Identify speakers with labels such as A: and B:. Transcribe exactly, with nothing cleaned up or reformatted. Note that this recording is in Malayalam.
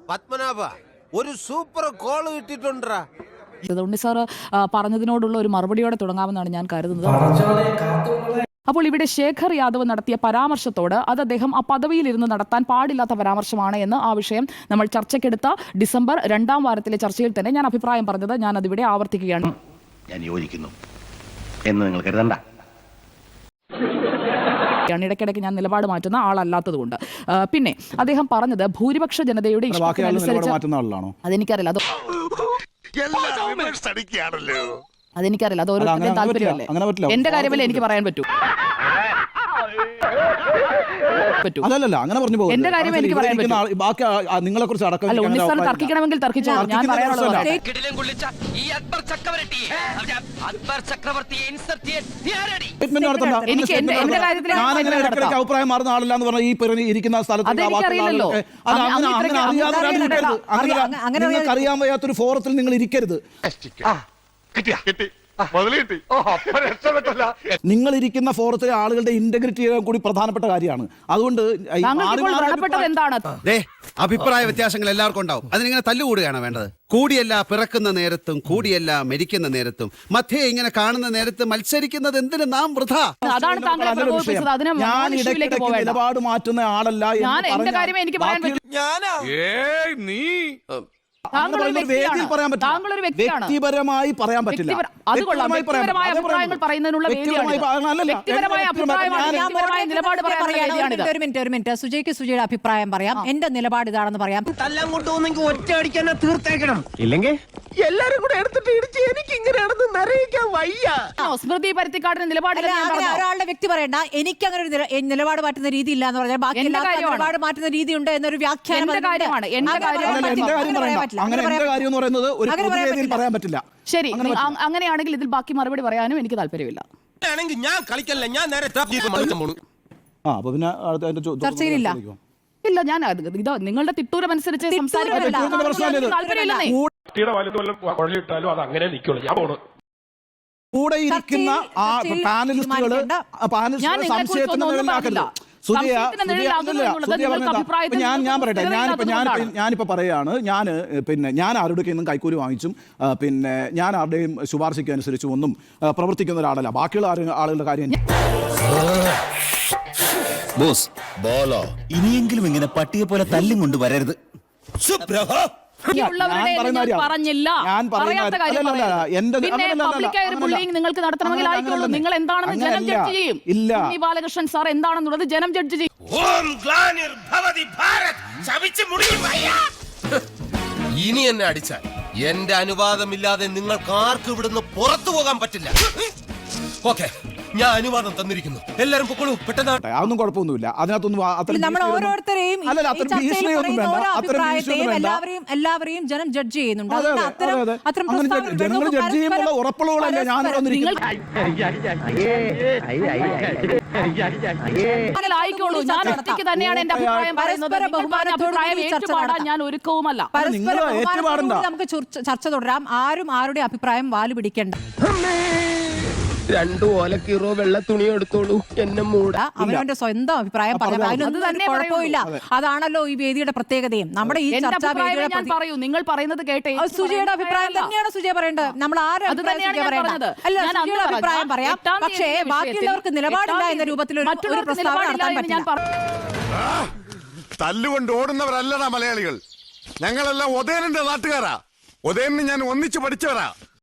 A: പത്മനാഭ ഒരു സൂപ്പർ കോൾ കിട്ടിട്ടുണ്ടാ.
B: ഉണ്ണി സാർ പറഞ്ഞതിനോടുള്ള ഒരു മറുപടിയോടെ തുടങ്ങാമെന്നാണ് ഞാൻ കരുതുന്നത്. അപ്പോൾ ഇവിടെ ശേഖർ യാദവ് നടത്തിയ പരാമർശത്തോട് അത് അദ്ദേഹം ആ പദവിയിലിരുന്ന് നടത്താൻ പാടില്ലാത്ത പരാമർശമാണ് എന്ന് ആ വിഷയം നമ്മൾ ചർച്ചയ്ക്കെടുത്ത ഡിസംബർ രണ്ടാം വാരത്തിലെ ചർച്ചയിൽ തന്നെ ഞാൻ അഭിപ്രായം പറഞ്ഞത് ഞാൻ അതിവിടെ ആവർത്തിക്കുകയാണ്.
C: ഞാൻ യോജിക്കുന്നു എന്ന് നിങ്ങൾ കരുതണ്ട.
B: ഇടയ്ക്കിടയ്ക്ക് ഞാൻ നിലപാട് മാറ്റുന്ന ആളല്ലാത്തതുകൊണ്ട്. പിന്നെ അദ്ദേഹം പറഞ്ഞത് ഭൂരിപക്ഷ ജനതയുടെ ഇഷ്ടത്തിനനുസരിച്ച് അതെനിക്കറിയില്ല, അത് അതെനിക്കറിയില്ല, അത് ഓരോരുത്തരുടെയും താല്പര്യമല്ലേ. എന്റെ കാര്യമല്ലേ എനിക്ക് പറയാൻ പറ്റൂ. എന്റെ കാര്യം എനിക്ക് പറയാൻ പറ്റും. അല്ല, ഉണ്ണി സാർ തർക്കിക്കണമെങ്കിൽ തർക്കിച്ചോ. ഞാൻ പറയാനുള്ളത് എനിക്ക് എന്റെ കാര്യത്തിൽ
D: അഭിപ്രായം മാറുന്ന ആളല്ല എന്ന് പറഞ്ഞാൽ ഈ ഇരിക്കുന്ന സ്ഥലത്ത് നിങ്ങൾക്ക് അറിയാൻ വയ്യാത്തൊരു ഫോറത്തിൽ നിങ്ങൾ ഇരിക്കരുത്. നിങ്ങൾ ഇരിക്കുന്ന ഫോറത്തിലെ ആളുകളുടെ ഇന്റഗ്രിറ്റി കൂടി പ്രധാനപ്പെട്ട കാര്യമാണ്. അതുകൊണ്ട്
E: അഭിപ്രായ വ്യത്യാസങ്ങൾ എല്ലാവർക്കും ഉണ്ടാവും. അതിനിങ്ങനെ തല്ലുകൂടുകയാണ് വേണ്ടത്. കൂടിയല്ല പിറക്കുന്ന നേരത്തും കൂടിയല്ല മരിക്കുന്ന നേരത്തും മധ്യേ ഇങ്ങനെ കാണുന്ന നേരത്ത് മത്സരിക്കുന്നത് എന്തിന് നാം വൃഥ.
D: ഞാൻ ഇടയ്ക്കിടയ്ക്ക് നിലപാട് മാറ്റുന്ന ആളല്ല. വ്യക്തിപരമായി പറയാൻ പറ്റില്ല.
F: സുജയ്ക്ക് സുജയുടെ അഭിപ്രായം പറയാം, എന്റെ നിലപാട് ഇതാണെന്ന് പറയാം.
A: തല്ലാൻ കൊണ്ടുപോകുന്നെങ്കിൽ ഒറ്റ അടിക്കാൻ തീർത്തേക്കണം, ഇല്ലെങ്കിൽ എല്ലാരും കൂടെ എടുത്തിട്ട് ഇടിച്ച് എനിക്ക് ഇങ്ങനെയാണെന്ന് നിറയിക്കാൻ വയ്യ.
B: സ്മൃതി പരുത്തിക്കാടിന്റെ നിലപാട്
F: ഒരാളുടെ വ്യക്തി പറയണ്ട, എനിക്ക് അങ്ങനെ ഒരു നിലപാട് മാറ്റുന്ന രീതി ഇല്ല എന്ന് പറഞ്ഞാൽ ബാക്കി നിലപാട് മാറ്റുന്ന രീതി ഉണ്ട് എന്നൊരു വ്യാഖ്യാനം.
B: ശരി, അങ്ങനെയാണെങ്കിൽ ഇതിൽ ബാക്കി മറുപടി പറയാനും എനിക്ക് താല്പര്യമില്ല.
A: ഞാൻ കളിക്കല്ല, ഞാൻ നേരെ
F: ചർച്ചയിലില്ല.
B: ഇല്ല, ഞാൻ ഇതോ നിങ്ങളുടെ തിട്ടൂരം അനുസരിച്ച്
D: കൂടെ ഇരിക്കുന്ന ആ പാനലിസ്റ്റുകള് സംശയത്തിന് ഞാൻ ഞാൻ പറയട്ടെ ഞാനിപ്പോ ഞാൻ ഞാനിപ്പോ പറയാണ്, ഞാൻ പിന്നെ ഞാൻ ആരുടെയൊക്കെ ഒന്നും കൈക്കൂലി വാങ്ങിച്ചും പിന്നെ ഞാൻ ആരുടെയും ശുപാർശയ്ക്ക് അനുസരിച്ചും ഒന്നും പ്രവർത്തിക്കുന്ന ഒരാളല്ല. ബാക്കിയുള്ള ആളുകളുടെ കാര്യം
C: ബോസ് ബോലോ ഇനിയെങ്കിലും ഇങ്ങനെ പട്ടിയെ പോലെ തല്ലും കൊണ്ട് വരരുത്.
B: നിങ്ങൾക്ക് നടത്തണമെങ്കിൽ ആയിക്കോളൂ. നിങ്ങൾ എന്താണെന്ന് ജനം ജഡ്ജ് ചെയ്യും. ഉണ്ണി ബാലകൃഷ്ണൻ സാർ എന്താണെന്നുള്ളത് ജനം ജഡ്ജ് ചെയ്യും.
A: ഇനി എന്നെ അടിച്ചാൽ എന്റെ അനുവാദമില്ലാതെ നിങ്ങൾക്ക് ആർക്കും ഇവിടുന്ന് പുറത്തു പോകാൻ പറ്റില്ല. ഓക്കെ, ഞാൻ അനുവാദം തന്നിരിക്കുന്നു. എല്ലാരും പൊക്കോളൂ, പെട്ടെന്ന്.
D: അതൊന്നും കുഴപ്പമൊന്നുമില്ല. അതിനകത്തൊന്നും
F: ഓരോരുത്തരെയും എല്ലാവരെയും ജനം ജഡ്ജ് ചെയ്യുന്നുണ്ട്.
D: ജനങ്ങൾ ജഡ്ജ് ചെയ്യുമ്പോൾ ഉറപ്പുള്ളവരല്ലേ ഞാൻ
B: ആയിക്കോളൂ. ഞാൻ ഒറ്റയ്ക്ക് തന്നെയാണ് എന്റെ അഭിപ്രായം പറയുന്നത്. അഭിപ്രായം ഏറ്റുപാടാൻ ഞാൻ ഒരുക്കവുമല്ല.
F: നമുക്ക് ചർച്ച തുടരാം. ആരും ആരുടെ അഭിപ്രായം വാല് പിടിക്കേണ്ട.
A: രണ്ടു ഓലക്കീറോ വെള്ള തുണി എടുത്തോളൂ, എന്നെ മൂടാ.
F: അവനവന്റെ സ്വന്തം അഭിപ്രായം പറയാം, അതിനൊന്നും തന്നെ കുഴപ്പമില്ല. അതാണല്ലോ ഈ വേദിയുടെ പ്രത്യേകതയും. നമ്മുടെ ഈ ചർച്ചാ വേദിയുടെ
B: പറയൂ, നിങ്ങൾ പറയുന്നത് കേട്ടെ.
F: സുജയുടെ അഭിപ്രായം തന്നെയാണ് സുജയ പറയേണ്ടത്. നമ്മൾ ആരും അല്ല, സുജയുടെ അഭിപ്രായം പറയാം, പക്ഷേ ബാക്കിയുള്ളവർക്ക് നിലപാടില്ല എന്ന രൂപത്തിൽ ഒരു പ്രസ്താവന നടത്താൻ പറ്റില്ല.
G: തല്ലുകൊണ്ട് ഓടുന്നവരല്ലടാ മലയാളികൾ. ഞങ്ങളെല്ലാം ഒതേനന്റെ നാട്ടുകാരാ. ഒതേനെ ഞാൻ ഒന്നിച്ചു പഠിച്ചവരാ.